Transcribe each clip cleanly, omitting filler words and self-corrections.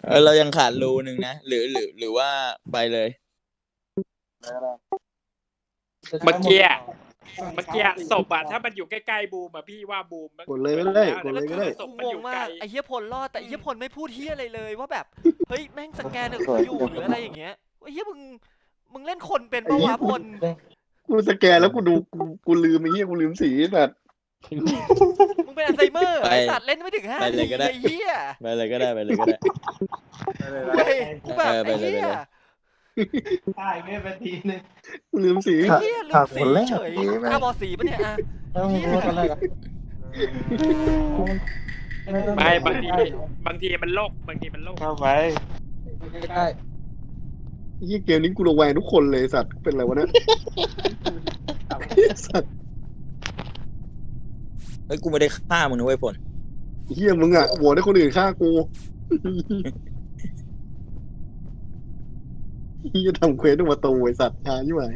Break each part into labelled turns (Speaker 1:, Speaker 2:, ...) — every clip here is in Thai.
Speaker 1: เรายังขาดรูหนึ่งนะหรือว่าไปเลย
Speaker 2: เมื่อกี้ศพอะถ้ามันอยู่ใกล้ๆบูมอะพี่ว่าบูม
Speaker 3: กดเลยก็ได้กดเลยก็ได้
Speaker 2: ศพ
Speaker 4: กู
Speaker 2: มัน
Speaker 4: ง
Speaker 2: อง ยู่
Speaker 4: มา
Speaker 2: ไกล
Speaker 4: กไอ้เหี้ยพลรอดแต่ไอ้เหี้ยพลไม่พูดเหี้ยอะไรเลยว่าแบบเฮ้ยแม่งสแกนกูอยู่หรืออะไรอย่างเงี้ยไอ้เหี้ยมึงเล่นคนเป็นปะวะพล
Speaker 3: กูสแกนแล้วกูดูกูลืมไอ้เหี้ยกูลืมสีแบบ
Speaker 4: มึงเป็นอัลไซเมอร์ไอ้สัตว์เล่นไม่ถึง5 นาทีไอ้เหี้ย
Speaker 1: ไปเลยก็ได้ไปเลยก็ได้
Speaker 4: เว้ยกูแบบไอ้เหี้ย
Speaker 5: ใช่ไม่เป็นทีนึง
Speaker 3: กูลืมสี
Speaker 4: ไอ้เหี้ยลืมสีเฉยตาบอดสีปะเนี่ยอะเหี้ย
Speaker 2: ไม่บางทีมันโลก
Speaker 5: เข้าไป
Speaker 3: ไอ้เหี้ยเกมนี้กูระแวงทุกคนเลยสัตว์เป็นอะไรวะเนี่ยสัตว์
Speaker 1: เฮ้ยกูไม่ได้ฆ่ามึงนะเว้ยผล
Speaker 3: ไอ้เหี้ยมึงอ่ะโหวตให้คนอื่นฆ่ากูเหี้ยทำเควสด้วยประตูไอ้สัตว์หาอยู่ไหน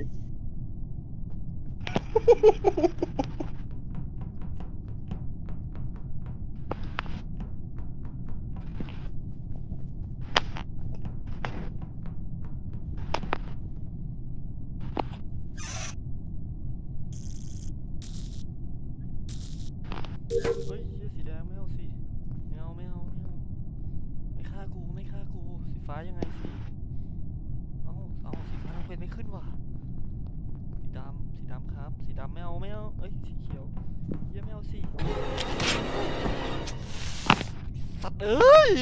Speaker 4: เฮ้ยเหี้ยสีแดงไม่เอาสิไม่เอาไม่ฆ่ากูสีฟ้ายังไงสิเอาสีฟ้าทำเป็นไม่ขึ้นว่ะสีดำครับสีดำไม่เอาเอ้ยสีเขียวเหี้ยไม่เอาสิสัตว์เอ้ย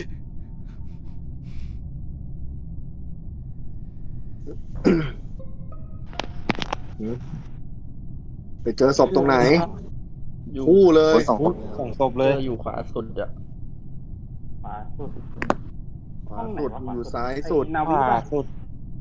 Speaker 3: ไปเจอศพตรงไหนคู่เลย
Speaker 5: สองศพเลย
Speaker 6: อยู่ขวาสุดอ่ะ
Speaker 5: ขวาสุด
Speaker 3: ขวาสุดอยู่ซ้ายสุด
Speaker 5: ขวาสุด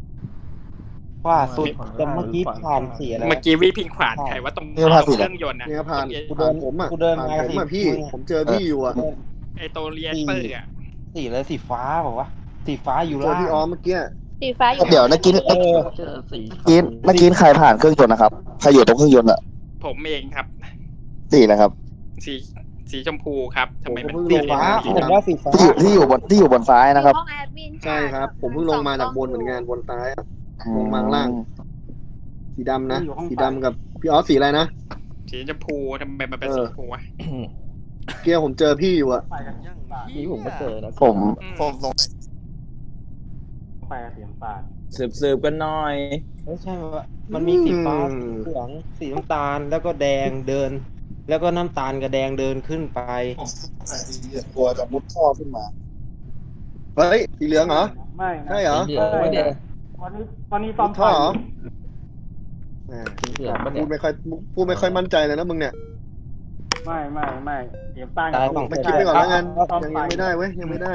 Speaker 5: แต่เมื่อกี้ผ่านสีอะไร
Speaker 2: เมื่อกี้วิพิงขวานใครว่าตรงเครื่องยนต์นะ
Speaker 3: เนี่ยผ่าน
Speaker 5: กู
Speaker 3: ผ่านผมอ่ะ
Speaker 5: กูเดิน
Speaker 3: ผ่าน
Speaker 5: มา
Speaker 3: ผมอ่ะพี่ผมเจอพี่อยู่อ่ะ
Speaker 2: ไอตัวเรียนเปอร์อะ
Speaker 5: สีอะไรสีฟ้าบอกว่าสีฟ้าอยู่
Speaker 3: เจอ
Speaker 5: ล่าง
Speaker 3: พี่ออมเมื่อกี้
Speaker 7: สีฟ้าอยู่
Speaker 8: เดี๋ยวนะกิน
Speaker 6: เจอสี
Speaker 8: เมื่อกี้ใครผ่านเครื่องยนต์นะครับใครอยู่ตรงเครื่องยนต์อะ
Speaker 2: ผมเองครับ
Speaker 8: สี่นะครับ
Speaker 2: สีชมพูครับทำไมมัน
Speaker 5: สีฟ้าผมว่าสีฟ้า
Speaker 8: ที่อยู่บนซ้ายนะครับ
Speaker 7: ห้องแอดมิน
Speaker 3: ใช่ครับ ผมเพิ่งลงมาจากบนเหมือนกันบนซ้ายอะลงมาข้างล่าง สีดำนะสีดำกับพี่ออสสีอะไรนะ
Speaker 2: สีชมพูทำไมมันเป็นสีชมพูวะ
Speaker 3: เกียร์ผมเจอพี่อยู่อะ
Speaker 4: ยัง
Speaker 6: นี่ผมก็เจอนะ
Speaker 8: ผมสง
Speaker 5: ไปเสียงปาด
Speaker 1: สืบกันหน่อย
Speaker 5: ไม่ใช่ว่ามันมีสีฟ้าสีเหลืองสีน้ำตาลแล้วก็แดงเดิน แล้วก็น้ำตาลกับแดงเดินขึ้นไป
Speaker 8: ตัวจะมุดท่อขึ้นมา
Speaker 3: เฮ้ยสีเหลืองเหรอ
Speaker 5: ไม่
Speaker 3: ใช่เหรอ
Speaker 6: สีเหลืองไม่เด็
Speaker 5: วันนี้ต
Speaker 3: มุ
Speaker 5: อน
Speaker 3: ดท่อเหรอแหม
Speaker 6: สีเหลืองมัน
Speaker 3: พู
Speaker 6: เนี่ย
Speaker 3: ดไม่ค่อยมั่นใจเลยนะมึงเนี่ย
Speaker 5: ไม่เสียงตาล
Speaker 3: ไม่คิดไปก่อนแล้วกันยังไม่ได้เว้ยยังไม่ได้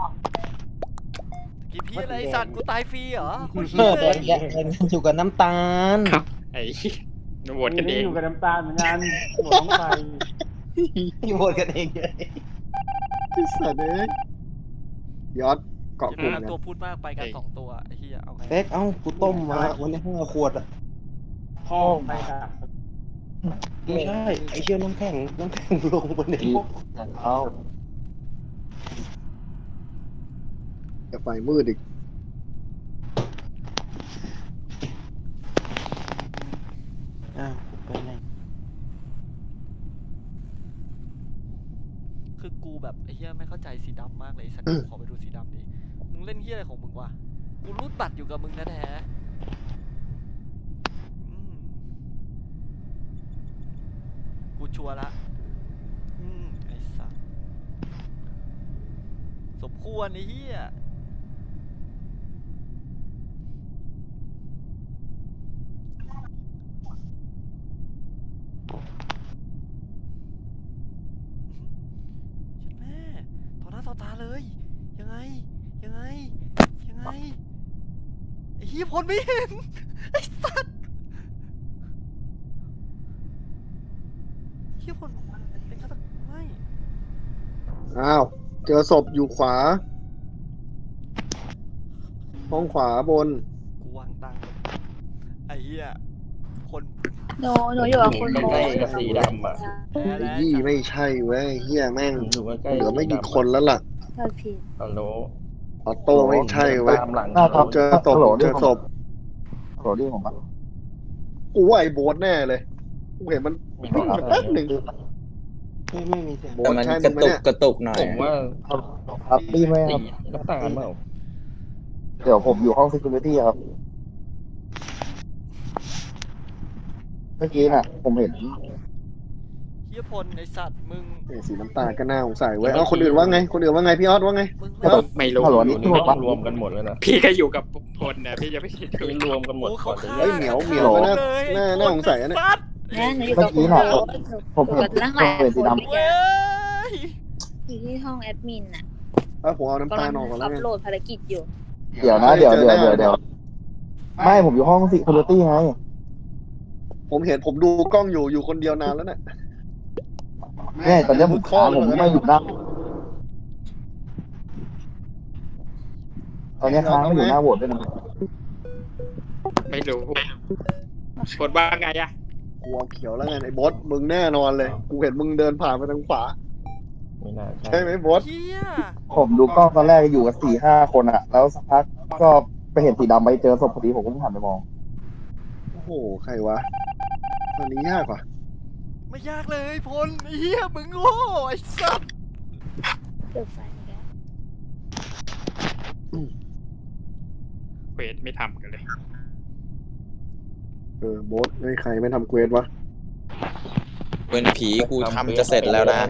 Speaker 4: กี่พี่อะไรสัตว์กูตายฟรีเหรอคุณ
Speaker 5: เอ
Speaker 4: เหี้ย
Speaker 5: อ
Speaker 4: เลย
Speaker 5: อยู่กับน้ำตาล
Speaker 2: ไอ้โหวตกันเอง
Speaker 5: อยู่กับน้ำตาลเหมือนกันหัวต้องไปอยู่โหวตกันเองเลย
Speaker 3: ไอ้สัตว์เอ้ยยอดเกาะกลุ่ม
Speaker 4: อย่า
Speaker 3: กัน
Speaker 4: ตัวพูดมากไปกัน2 ตัวไอ้เหี้ยเอาไง
Speaker 5: เป๊กเอ้ากูต้มมาวันนี้5 ขวดอ่ะพ่อไปครับไม่ใช่ไอเชี่ยน้ำแข็งลงบนนี้
Speaker 6: เอา
Speaker 3: จะไฟมืดอีก
Speaker 5: อ้าวไปไหน
Speaker 4: คือกูแบบไอ้เหี้ยไม่เข้าใจสีดำมากเลยไอ้สัตว์ขอไปดูสีดำดิมึงเล่นเหี้ยอะไรของมึงวะกูรูดบัตรอยู่กับมึงแท้ๆกูชัวร์ละไอ้สัตว์สมควรไอ้เหี้ยแม่ต่อหน้าต่อตาเลยยังไงไอ้เหี้ยพลไม่เห็นไอ้สัตว์เหี้ยพลเป็นฆาตกรไม่
Speaker 3: อ้าวเจอศพอยู่ขวา ห้องขวาบน
Speaker 4: กูวางตังค์ไอ้เหี้ยคน
Speaker 7: หนูอยู่กับคุณ
Speaker 6: ใก
Speaker 7: โบ
Speaker 6: ล้กับสีดำอ่ะ
Speaker 4: แพ้
Speaker 3: ไอ้
Speaker 4: แล้ว
Speaker 3: ยี่ไม่ใช่เว้ยเฮียแม่ง
Speaker 6: อยู่ใกล้
Speaker 3: เหลือไม่กี่คนแล้วล่ะ
Speaker 7: เราผิด
Speaker 6: ฮัลโหล
Speaker 3: ออโต้ไม่ใช่เว้ย
Speaker 6: ตามหลัง
Speaker 3: เจอศพ
Speaker 8: ฮัลโหล
Speaker 3: เจอศพ
Speaker 8: โหลดที่ผมปะ
Speaker 3: กูว่าไอ้โบ๊ทแน่เลยกูเห็นมันวิ่งมาแป๊บหนึ่ง
Speaker 5: ไม่มีเสียง
Speaker 3: โบ๊
Speaker 1: แต่
Speaker 3: ท
Speaker 1: มัน
Speaker 3: ใช่
Speaker 1: ก
Speaker 3: มึ
Speaker 1: ระ
Speaker 3: งไหม
Speaker 1: ตุก
Speaker 3: เนี่ย
Speaker 1: กระตุกหน่อย
Speaker 6: ผมว่า
Speaker 8: ครับดีไหมค
Speaker 6: สี
Speaker 8: รับ
Speaker 6: น้ำตาลเปล่า
Speaker 8: เดี๋ยวผมอยู่ห้อง security ครับ เมื่อกี้น่ะ ผมเห็น
Speaker 4: เฮียพลไอสัตว์มึง
Speaker 3: เนี่ยสีน้ำตาลก็น่าสงสัยเว้ยเอาคนอื่นว่าไงคนอื่นว่าไงพี่ออสว่าไง
Speaker 4: มึง
Speaker 3: ครับ
Speaker 2: ไม่รู้
Speaker 8: ฮัลโหล
Speaker 6: อยู่
Speaker 8: นี่
Speaker 6: ใน
Speaker 8: ถูก
Speaker 6: ห้อ
Speaker 8: ปะ
Speaker 6: งรวมกันหมดเลยนะ
Speaker 2: พี่ก็อยู่กับพลนะพี่จะไม่คิด
Speaker 6: นี่รวมกันหมด
Speaker 4: โอ้
Speaker 6: ก่
Speaker 4: เขา
Speaker 6: อนเลย
Speaker 4: ฆ่า
Speaker 3: เฮ้ยเหมียวเหมียวก็น่าน่าสงสัยนะเนี่ย
Speaker 4: สัตว์
Speaker 7: นะหนูอยู่กับ
Speaker 8: เมื่อกี้น่ะผม
Speaker 7: หนู
Speaker 8: เห็น
Speaker 7: กับนั่งหลาย
Speaker 8: ผมเห็น
Speaker 7: ค
Speaker 8: สี
Speaker 7: น
Speaker 8: ดำ
Speaker 4: เว้ย
Speaker 7: อยู่ที่ห้องแอดมินน่ะ
Speaker 3: เอาผมเอาน้ำ
Speaker 7: กำ
Speaker 3: ตา
Speaker 7: ลั
Speaker 3: ล
Speaker 7: ง
Speaker 3: ออกก่อนแล้
Speaker 7: อั
Speaker 3: ว
Speaker 7: พ
Speaker 3: ไง
Speaker 7: โหลดภารกิจอยู่
Speaker 8: เดี๋ยวนะเดี๋ยวไม่ผมอยู่ห้อง security ไง
Speaker 3: ผมเห็นผมดูกล้องอยู่คนเดียวนานแล้วเนี่ย
Speaker 8: เนี่ยตอนนี้ผมค้างผมไม่อยู่หน้าตอนนี้ค้างไม่อยู่หน้าโหวตด้วยนะ
Speaker 2: ไม่รู้พลว่าไงอะ
Speaker 3: กูเอาเขียวแล้วไงไอ้บอสมึงแน่นอนเลยกูเห็นมึงเดินผ่านไปทางขวา
Speaker 6: ไม่น่า
Speaker 3: ใช่
Speaker 6: ใช่
Speaker 3: ไหมบอส
Speaker 4: เฮีย
Speaker 8: ผมดูกล้องตอนแรกอยู่กับ4-5 คนอะแล้วสักพักก็ไปเห็นสีดำไปเจอศพพอดีผมก็หันไปมอง
Speaker 3: โอ้โหใครวะตอนนี้ยากว่ะ
Speaker 4: ไม่ยากเลยพลไอ้เฮียมึงโง่ไอ้สัตว์
Speaker 7: เปิดไฟอีกแล้ว
Speaker 2: เควสไม่ทำกันเลย
Speaker 3: บอสไอ้ใครไม่ทำเควสวะ
Speaker 1: เป็นผีกูทำจะเสร็จแล้วนะ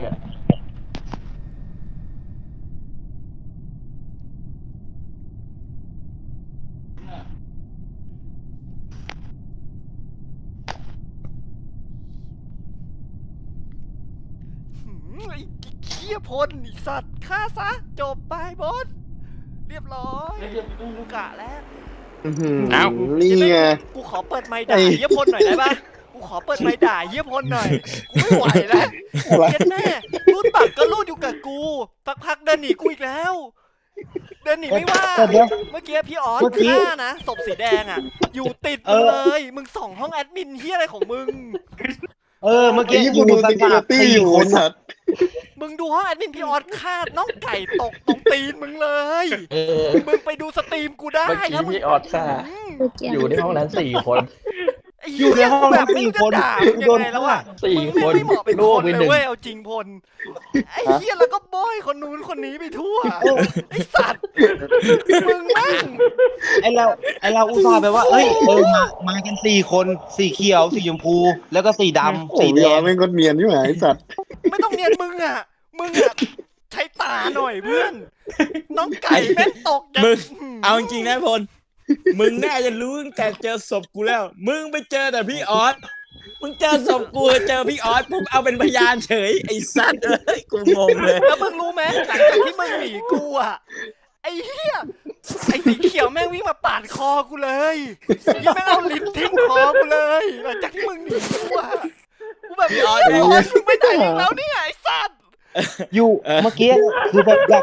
Speaker 4: ไอ้เฮียพลไอ้สัตว์ฆ่าซะจบไปบอสเรียบร้อยกูกะแล้ว
Speaker 2: เอ้า
Speaker 3: นี่ไง
Speaker 4: กูขอเปิดไมค์ด่าเฮียพลหน่อยได้ปะกูขอเปิดไมค์ด่าเฮียพลหน่อยกูไม่ไหวแล้วเย็นแม่รูดปากก็รูดอยู่กับกูสักพักเดินหนีกูอีกแล้ว เดินหนีไม่ว่า
Speaker 5: แต่เดี๋ยว
Speaker 4: เมื่อกี้พี่ออส
Speaker 5: เมื่อกี้
Speaker 4: ฆ่านะศพสีแดงอ่ะ อยู่ติดมึงเลยมึงส่องห้องแอดมินเฮียอะไรของมึง
Speaker 5: เมื่อ
Speaker 3: ไอ้
Speaker 5: กี้
Speaker 3: ยี่กูดูสกิลตี้อยู่
Speaker 5: คน
Speaker 3: สัตว์
Speaker 4: มึงดูห้องแอดมินพี่ออสฆ่าน้องไก่ตกตรงตีนมึงเลย มึงไปดูสตรีมกูได้
Speaker 6: เมื่อกี้
Speaker 4: ถ้ามึง
Speaker 6: พี่ออสฆ่า
Speaker 7: เมื่อกี้
Speaker 6: อยู่ในห้องนั้น4 คน
Speaker 4: ไอ้เหี้ยกูแบบไม่รู้จะด่ามึงยังไงแล้วอ่ะ
Speaker 6: สี่
Speaker 4: มึง
Speaker 6: คน
Speaker 4: ไม่เหมาะเป็น
Speaker 6: ลู
Speaker 4: ค
Speaker 6: ก
Speaker 4: น
Speaker 6: ไป
Speaker 4: เลย
Speaker 6: หนึ่ง
Speaker 4: เว้ยเอาจริงพลไอ้เหี้ยแล้วก็โบยคนนู้นคนนี้ไปทั่วไอ้สัตว์มึงแม่ง
Speaker 5: ไอเราอุตส่าห์ไปว่าเอ้ยมากัน4 คนสีเขียวสีชมพูแล้วก็สีดำ
Speaker 3: โอ้
Speaker 5: สี
Speaker 3: ย
Speaker 5: แด
Speaker 3: ยอง แม่งก็เนียนอยู่ไหนไอ้สัตว์
Speaker 4: ไม่ต้องเนียนมึงอ่ะใช้ตาหน่อยเพื่อน น้องไก่แม่งตก
Speaker 1: มึง เอาจริงๆนะพล มึงน่าจะรู้ตั้งแต่เจอศพกูแล้ว มึงไปเจอแต่พี่ออส มึงเจอศพกูเจอพี่ออสปุ๊บเอาเป็นพยานเฉยไอ้สัตว์เอ้ยกูงงเลย
Speaker 4: แล้วมึงรู้ไหมหลังจากที่มึงหนีกูอ่ะไอ้เหี้ยไอ้สีเขียวแม่งวิ่งมาปาดคอกูเลยยังไม่งเอาลิ้นทิ่มคอกูเลยหลังจากที่มึงหนีกูอ่ะกูแบบพี่ออสมึงไปไหนอีกแล้วเนี่ยไอ้สัตว์
Speaker 5: อยู่เมื่อกี้คือแบบอยาก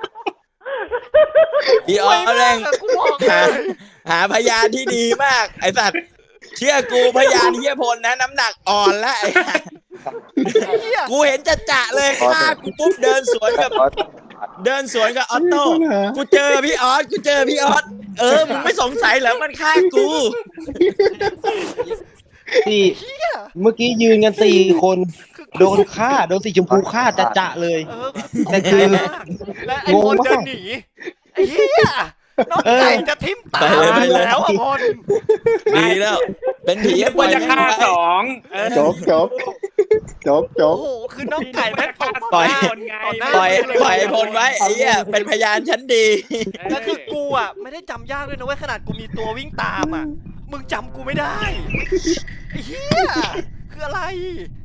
Speaker 1: พี่ออสแรง
Speaker 4: กูบอกเล
Speaker 1: หาย พยานที่ดีมาก ไอ้สัตว์ เชื่อกูพยานเฮียพลนะน้ำหนักอ่อนแล้วไอ้ห่า
Speaker 4: เหี้ย
Speaker 1: กูเห็นจะเลยฆ่ากูปุ๊บเดินสวนกับออโต้ กูเจอพี่ออสมึงไม่สงสัยเหรอมันฆ่ากู
Speaker 5: เมื่อกี้ยืนกัน4 คนโดนสีชมพูฆ่าจะเลย แต่คือ
Speaker 4: และไอ้พลเดินหนีไอ้เหี้ยน้องไก่จะทิ่มตา
Speaker 1: ไปเลย
Speaker 4: แล้วอ่ะพล
Speaker 1: ดีแล้ว เป็นผี
Speaker 2: ควรจะฆ่าสองเออ
Speaker 3: จบ
Speaker 4: โอ้โหคือน้องไก่แม่งตก
Speaker 1: ปล่อย
Speaker 2: คนไง
Speaker 1: ปล่อยพลไว้ไอ้เหี้ยเป็นพยานชั้นดี
Speaker 4: แล้วคือกูอ่ะไม่ได้จำยากด้วยนะเว้ยขนาดกูมีตัววิ่งตามอ่ะมึงจำกูไม่ได้ไอ้เหี้ยคืออะไร